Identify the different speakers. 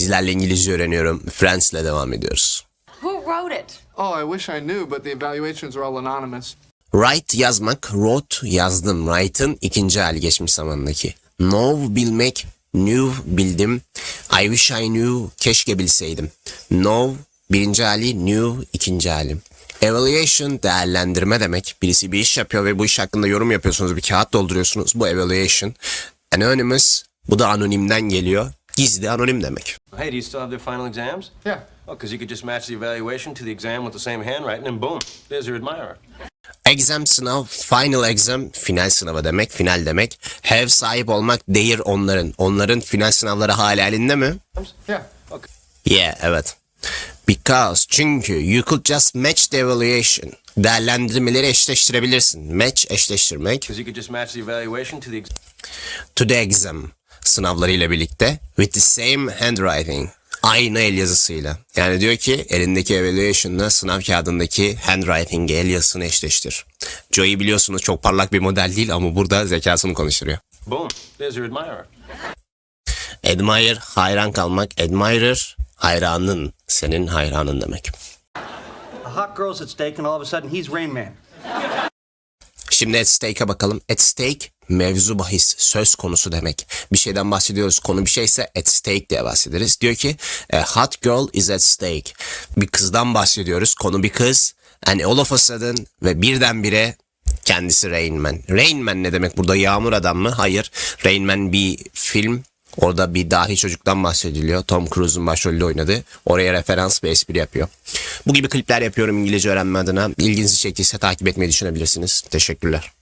Speaker 1: Sizlerle İngilizce öğreniyorum. Friends'le devam ediyoruz.
Speaker 2: Who wrote it?
Speaker 3: Oh, I wish I knew, but the evaluations are all anonymous.
Speaker 1: Write yazmak, wrote yazdım. Write'ın ikinci hali geçmiş zamandaki. Know bilmek, knew bildim. I wish I knew keşke bilseydim. Know birinci hali, knew ikinci hali. Evaluation değerlendirme demek. Birisi bir iş yapıyor ve bu iş hakkında yorum yapıyorsunuz. Bir kağıt dolduruyorsunuz. Bu evaluation. Anonymous bu da anonimden geliyor. Gizli anonim demek.
Speaker 4: Hey, do you still have their final exams?
Speaker 3: Yeah.
Speaker 4: Oh, because you could just match the evaluation to the exam with the same handwriting and boom, there's your admirer.
Speaker 1: Exam sınav, final exam, final sınavı demek, final demek. Have sahip olmak, their onların. Onların final sınavları hala elinde mi?
Speaker 3: Yeah.
Speaker 4: Okay.
Speaker 1: Yeah, evet. Because, çünkü you could just match the evaluation. Değerlendirmeleri eşleştirebilirsin. Match, eşleştirmek.
Speaker 4: Because you could just match the evaluation to the exam.
Speaker 1: To the exam sınavlarıyla birlikte. With the same handwriting. Aynı el yazısıyla. Yani diyor ki elindeki evaluation'la sınav kağıdındaki handwriting'i, el yazısını eşleştir. Joey biliyorsunuz çok parlak bir model değil ama burada zekasını konuşturuyor.
Speaker 4: Boom, there's your admirer.
Speaker 1: Admire, hayran kalmak. Admirer, hayranın, senin hayranın demek.
Speaker 5: A hot girl's at stake and all of a sudden he's Rain Man.
Speaker 1: Şimdi at stake'a bakalım. At stake, mevzu bahis, söz konusu demek. Bir şeyden bahsediyoruz. Konu bir şeyse at stake diye bahsederiz. Diyor ki a hot girl is at stake. Bir kızdan bahsediyoruz. Konu bir kız. And all of a sudden ve birdenbire kendisi Rain Man. Rain Man ne demek burada? Yağmur adam mı? Hayır. Rain Man bir film. Orada bir dahi çocuktan bahsediliyor. Tom Cruise'un başrolünde oynadı. Oraya referans ve espri yapıyor. Bu gibi klipler yapıyorum İngilizce öğrenme adına. İlginizi çektiyse takip etmeyi düşünebilirsiniz. Teşekkürler.